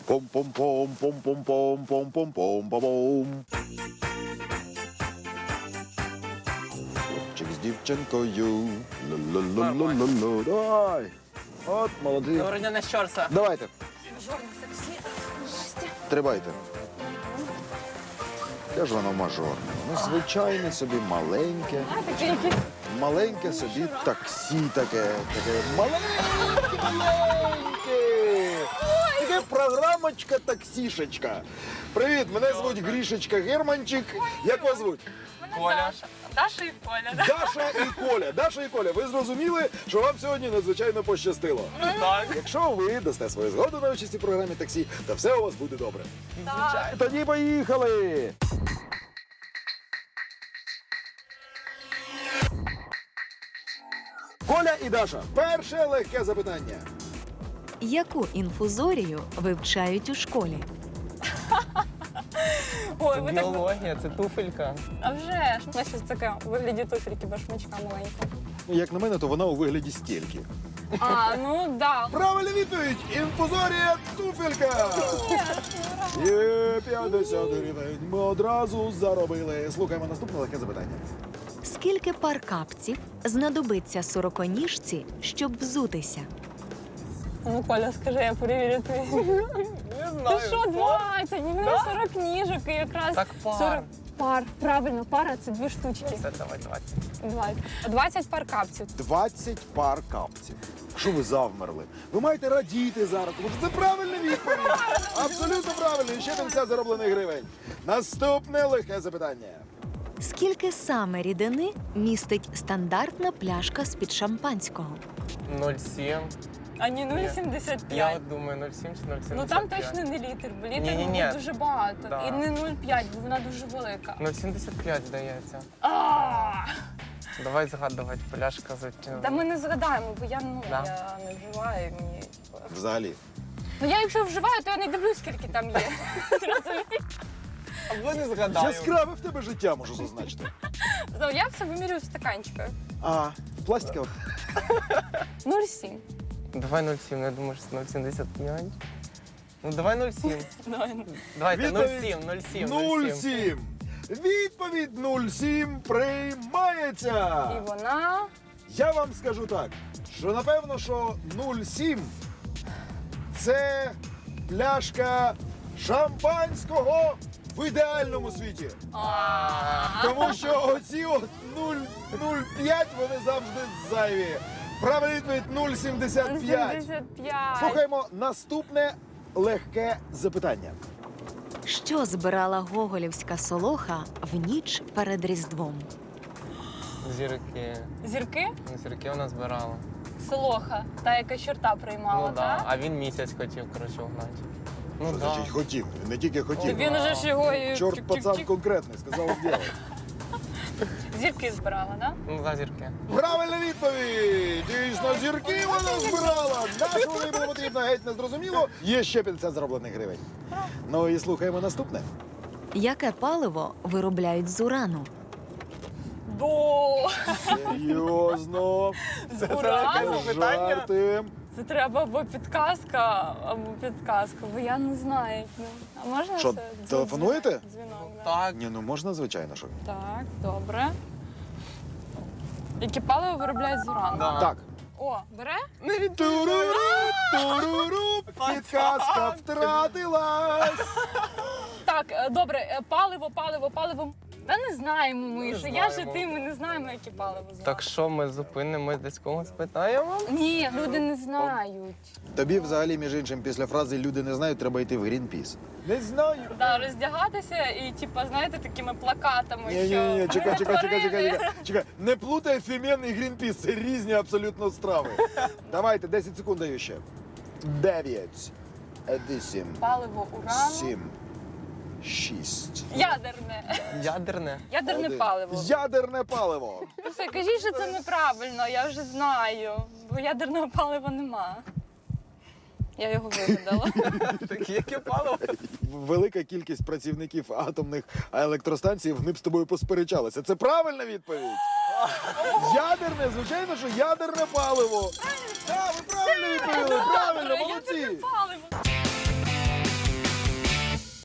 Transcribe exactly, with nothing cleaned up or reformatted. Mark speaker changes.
Speaker 1: Пом-пом-пом, пом-пом-пом, пом-пом-пом-пом-пом. Хлопчик з дівчинкою. Ла-ла-ла-ла-ла-ла. Давай. От, молодці.
Speaker 2: Доброго дня, на Щорса.
Speaker 1: Давайте. Тримайте. Де ж воно мажорне? Ну, звичайне собі, маленьке.
Speaker 3: А, таке якесь.
Speaker 1: Маленьке собі таксі таке. Таке маленьке, маленьке. Таке програмочка таксішечка. Привіт, мене звуть Грішечка Германчик. Як вас звуть?
Speaker 2: Коля.
Speaker 3: Даша і Коля, да?
Speaker 1: Даша і Коля. Даша і Коля, ви зрозуміли, що вам сьогодні надзвичайно пощастило.
Speaker 2: Так.
Speaker 1: Якщо ви дасте свою згоду на участь у програмі таксі, то все у вас буде добре.
Speaker 2: Звичайно.
Speaker 1: Тоді поїхали! Коля і Даша, перше легке запитання.
Speaker 4: Яку інфузорію вивчають у школі?
Speaker 3: Ой, ви так...
Speaker 2: Біологія, це туфелька.
Speaker 3: А вже ж. У нас щось таке у вигляді туфельки башмачка маленького.
Speaker 1: Як на мене, то вона у вигляді стільки.
Speaker 3: А, ну да.
Speaker 1: Правильна відповідь! Інфузорія туфелька! Є п'ятдесят гривень. Ми одразу заробили. Слухаємо наступне легке запитання.
Speaker 4: Скільки пар капців знадобиться сороконіжці, щоб взутися?
Speaker 3: Ну, Коля, скажи, я перевірю твій.
Speaker 2: Не
Speaker 3: Ти
Speaker 2: знаю.
Speaker 3: що, двадцять? Ні,
Speaker 2: Да?
Speaker 3: сорок ніжок і якраз
Speaker 2: Так пар.
Speaker 3: сорок пар. Правильно, пара це дві штучки.
Speaker 2: Все, давай, давай.
Speaker 3: двадцять. двадцять пар капців.
Speaker 1: двадцять пар капців. Що ви завмерли? Ви маєте радіти зараз, тому що це правильна відповідь. Абсолютно правильно. І ще п'ятдесят зароблених гривень. Наступне легке запитання.
Speaker 4: Скільки саме рідини містить стандартна пляшка з-під шампанського?
Speaker 2: нуль сім.
Speaker 3: А не нуль сімдесят
Speaker 2: Я
Speaker 3: п'ять.
Speaker 2: от думаю, нуль сім чи нуль сімдесят п'ять.
Speaker 3: Ну там точно не літр, бо літр
Speaker 2: Ні-ні-ні.
Speaker 3: буде дуже багато.
Speaker 2: Да.
Speaker 3: І не нуль п'ять, бо вона дуже велика.
Speaker 2: нуль сімдесят п'ять, здається.
Speaker 3: А!
Speaker 2: Давай згадувати, пляшка звичайно.
Speaker 3: Та ми не згадаємо, бо я, ну,
Speaker 2: Да.
Speaker 3: я не вживаю. і Мені...
Speaker 1: Взагалі.
Speaker 3: Ну я якщо вживаю, то я не дивлюсь, скільки там є. Зрозумієш?
Speaker 2: Або не згадаю.
Speaker 1: Яскраве в тебе життя, можу зазначити.
Speaker 3: Ну, я все вимірюю в стаканчиках.
Speaker 1: А, пластикова?
Speaker 3: нуль сім.
Speaker 2: Давай нуль сім, я думаю, що нуль сімдесят п'ять. Ну давай нуль сім.
Speaker 3: Давай.
Speaker 2: Давайте нуль
Speaker 1: Відповідь
Speaker 2: сім, нуль сім,
Speaker 1: нуль сім. Відповідь нуль сім приймається.
Speaker 3: І вона...
Speaker 1: Я вам скажу так, що напевно, що нуль сім це пляшка шампанського в ідеальному світі. Тому що оці от нуль п'ять вони завжди зайві. Правильна відповідь нуль сімдесят п'ять.
Speaker 3: сімдесят п'ять.
Speaker 1: Слухаємо наступне легке запитання.
Speaker 4: Що збирала гоголівська солоха в ніч перед Різдвом?
Speaker 2: Зірки.
Speaker 3: Зірки?
Speaker 2: Ну, зірки вона збирала.
Speaker 3: Солоха, та, яка чорта приймала,
Speaker 2: Ну да.
Speaker 3: так?
Speaker 2: А він місяць хотів, коротше, угнати. Ну
Speaker 1: Що
Speaker 2: да.
Speaker 1: значить хотів? Не тільки хотів.
Speaker 3: Він уже ж його і...
Speaker 1: Чорт
Speaker 3: чик-чик-чик.
Speaker 1: пацан конкретний, сказав діло.
Speaker 3: Зірки збирала, так?
Speaker 2: Ну да, зірки.
Speaker 1: Правильна відповідь! Дійсно, зірки вона збирала. На що вони було потрібно, геть не зрозуміло. Є ще п'ятдесят зароблених гривень. Ну і слухаємо наступне.
Speaker 4: Яке паливо виробляють з урану?
Speaker 3: До
Speaker 1: Серйозно.
Speaker 3: з урану?
Speaker 2: питання.
Speaker 1: Жарти.
Speaker 3: Це треба або підказка, або підказка, бо я не знаю. Ну, а можна
Speaker 1: Що,
Speaker 3: це?
Speaker 1: телефонуєте?
Speaker 3: Дзвінок, да.
Speaker 2: Так.
Speaker 1: Ні, ну можна, звичайно, що.
Speaker 3: Так, добре. Які паливо виробляють з урану?
Speaker 2: Да.
Speaker 1: Так.
Speaker 3: О, бере?
Speaker 1: Туруру, туруру, підказка втратилась.
Speaker 3: Так, е, добре, е, паливо, паливо, паливо. Та не знаємо ми,
Speaker 2: Не
Speaker 3: що я ж і
Speaker 2: знаємо.
Speaker 3: ти, ми не знаємо, які паливо з
Speaker 2: Так що ми зупинимось, десь когось питаємо?
Speaker 3: Ні, люди не знають.
Speaker 1: Тобі взагалі, між іншим, після фрази «люди не знають» треба йти в Грінпіс. Не знаю.
Speaker 3: Да, роздягатися і, типа, знаєте, такими плакатами,
Speaker 1: Ні, ні,
Speaker 3: що
Speaker 1: ні, чекай, чекай, чекай, чекай,
Speaker 3: перетворили.
Speaker 1: чекай, чекай. Не плутай фімен і Грінпіс, це різні абсолютно страви. Давайте, десять секунд даю ще. Дев'ять, вісім,
Speaker 3: Паливо урану.
Speaker 1: сім, шість.
Speaker 3: Ядерне.
Speaker 2: Ядерне.
Speaker 3: Ядерне
Speaker 1: один.
Speaker 3: паливо.
Speaker 1: Ядерне паливо.
Speaker 3: Ну все, кажіть, що це неправильно, я вже знаю. Бо ядерного палива нема. Я його вигадала.
Speaker 2: Таке яке паливо?
Speaker 1: Велика кількість працівників атомних електростанцій, вони б з тобою посперечалися. Це правильна відповідь? Ядерне, звичайно, що ядерне паливо. Так, ви правильно відповіли, правильно, молодці.
Speaker 3: Ядерне паливо.